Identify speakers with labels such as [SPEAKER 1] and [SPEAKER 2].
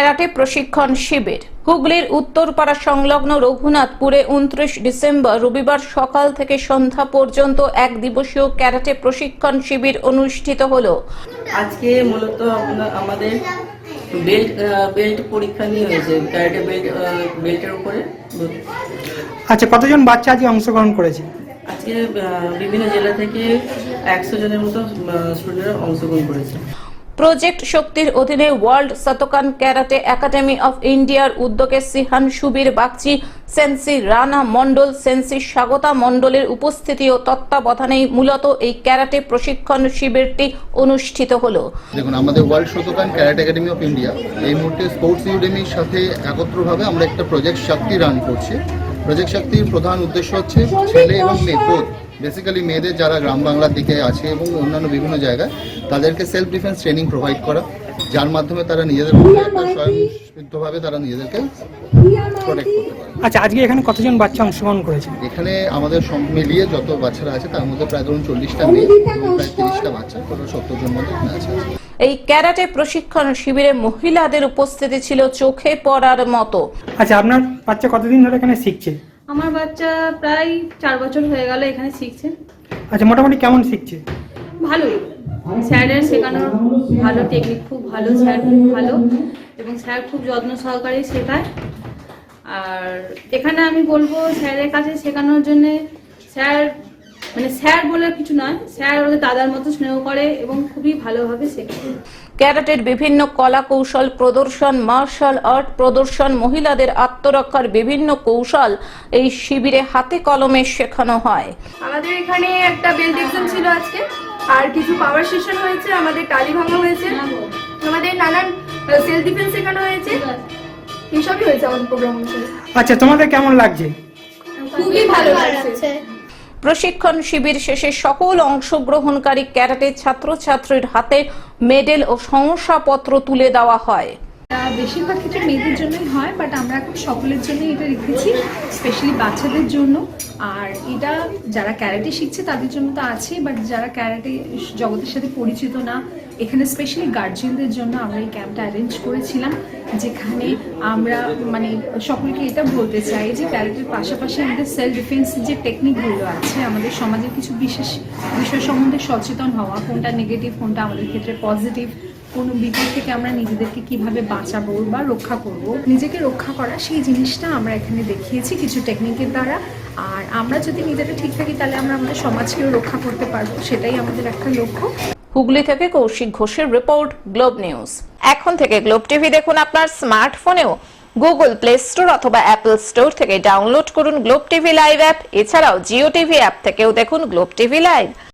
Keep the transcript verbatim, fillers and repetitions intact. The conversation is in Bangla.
[SPEAKER 1] ক্যারাটে প্রশিক্ষণ শিবির। হুগলির উত্তরপাড়া সংলগ্ন রঘুনাথপুরে উনত্রিশ ডিসেম্বর রবিবার সকাল থেকে সন্ধ্যা পর্যন্ত এক দিবসীয় ক্যারাটে প্রশিক্ষণ শিবির অনুষ্ঠিত হলো।
[SPEAKER 2] আজকে মূলত আমাদের বেল্ট বেল্ট পরীক্ষা নিয়ে হয়েছে, ক্যারাটে বেল্ট বেল্টের উপরে।
[SPEAKER 3] আচ্ছা, কতজন বাচ্চা আজকে অংশগ্রহণ করেছে?
[SPEAKER 2] আজকে বিভিন্ন জেলা থেকে একশো জনের মতো স্টুডেন্টরা অংশগ্রহণ করেছে।
[SPEAKER 1] প্রজেক্ট শক্তির অধীনে world Shotokan karate academy of ইন্ডিয়ার উদ্যোগে সিহান সুবীর বাগচি, সেন্সি রানা মন্ডল, সেন্সি স্বাগতা মন্ডলের উপস্থিতি ও তত্ত্বাবধানেই মূলত এই ক্যারাটে প্রশিক্ষণ শিবিরটি অনুষ্ঠিত হলো।
[SPEAKER 4] দেখুন, আমাদের world Shotokan karate academy of India এই মুহূর্তে স্পোর্টস ইউডেমির সাথে একত্রভাবে আমরা একটা প্রজেক্ট শক্তি রান করছি। প্রজেক্ট শক্তির প্রধান উদ্দেশ্য হচ্ছে ছেলে এবং মেয়ে বোধ, বেসিক্যালি মেয়েদের যারা গ্রাম বাংলার দিকে আছে এবং অন্যান্য বিভিন্ন জায়গায়, তাদেরকে সেলফ ডিফেন্স ট্রেনিং প্রোভাইড করা, যার মাধ্যমে তারা নিজেদের মধ্যে একটা স্বয়ংসিদ্ধভাবে তারা নিজেদেরকে প্রোটেক্ট করতে পারে।
[SPEAKER 3] আচ্ছা, আজকে এখানে কতজন বাচ্চা অংশগ্রহণ করেছে?
[SPEAKER 4] এখানে আমাদের সব মিলিয়ে যত বাচ্চারা আছে তার মধ্যে প্রায় ধরুন চল্লিশটা মেয়ে এবং প্রায় তিরিশটা বাচ্চা, টোটাল সত্তর জন মধ্যে এখানে আছে।
[SPEAKER 1] এই ক্যারাটে প্রশিক্ষণ শিবিরে মহিলাদের উপস্থিতি ছিল চোখে পড়ার মতো।
[SPEAKER 3] আচ্ছা, আপনার বাচ্চা কতদিন ধরে এখানে শিখছে?
[SPEAKER 5] আমার বাচ্চা প্রায় চার বছর হয়ে গেল এখানে শিখছে।
[SPEAKER 3] আচ্ছা, মোটামুটি কেমন শিখছে?
[SPEAKER 5] ভালোই, স্যারের শেখানোর ভালো টেকনিক, খুব ভালো, স্যার খুব ভালো এবং স্যার খুব যত্ন সহকারে শেখায়। আর এখানে আমি বলবো স্যারের কাছে শেখানোর জন্য, স্যার মানে স্যার বলে কিছু নয়, স্যার ওদের দাদার মতো স্নেহ করে এবং খুবই ভালোভাবে শেখায়।
[SPEAKER 1] ক্যারাটের বিভিন্ন কলা কৌশল প্রদর্শন, মার্শাল আর্ট প্রদর্শন, মহিলাদের আত্মরক্ষার বিভিন্ন কৌশল এই শিবিরে হাতে কলমে শেখানো হয়।
[SPEAKER 6] আমাদের এখানে একটা বেল্ট এক্সাম ছিল আজকে, আর কিছু পাওয়ার সেশন হয়েছে, আমাদের টালি ভাঙা হয়েছে, আমাদের নানান সেলফ ডিফেন্স শেখানো হয়েছে, এইসবই হয়েছে আমাদের প্রোগ্রাম অনুসারে।
[SPEAKER 3] আচ্ছা, তোমাদের কেমন লাগছে?
[SPEAKER 6] খুবই ভালো লাগছে।
[SPEAKER 1] প্রশিক্ষণ শিবির শেষে সকল অংশগ্রহণকারী ক্যারাটে ছাত্রছাত্রীর হাতে মেডেল ও শংসাপত্র তুলে দেওয়া হয়।
[SPEAKER 7] বেশিরভাগ ক্ষেত্রে মেয়েদের জন্যই হয়, বাট আমরা এখন সকলের জন্য এটা রেখেছি, স্পেশালি বাচ্চাদের জন্য। আর এটা যারা ক্যারাটে শিখছে তাদের জন্য তো আছে, বাট যারা ক্যারাটে জগতের সাথে পরিচিত না, এখানে স্পেশালি গার্জিয়ানদের জন্য আমরা এই ক্যাম্পটা অ্যারেঞ্জ করেছিলাম, যেখানে আমরা মানে সকলকে এটা বলতে চাই যে ক্যারাটের পাশাপাশি আমাদের সেলফ ডিফেন্স যে টেকনিকগুলো আছে, আমাদের সমাজের কিছু বিশেষ বিষয় সম্বন্ধে সচেতন হওয়া, কোনটা নেগেটিভ কোনটা আমাদের ক্ষেত্রে পজিটিভ, কোনো বিপদ থেকে আমরা নিজেদেরকে কিভাবে বাঁচাবো বা রক্ষা করব, নিজেকে রক্ষা করা, সেই জিনিসটা আমরা এখানে দেখিয়েছি কিছু টেকনিকের দ্বারা। আর আমরা যদি নিজেরা ঠিক থাকি তাহলে আমরা আমাদের সমাজকেও রক্ষা করতে পারবো, সেটাই আমাদের একটা লক্ষ্য।
[SPEAKER 1] হুগলি থেকে কৌশিক ঘোষের রিপোর্ট, গ্লোব নিউজ। এখন থেকে গ্লোব টিভি দেখুন আপনার স্মার্টফোনেও। গুগল প্লে স্টোর অথবা অ্যাপল স্টোর থেকে ডাউনলোড করুন গ্লোব টিভি লাইভ অ্যাপ। এছাড়াও জিও টিভি অ্যাপ থেকেও দেখুন গ্লোব টিভি লাইভ।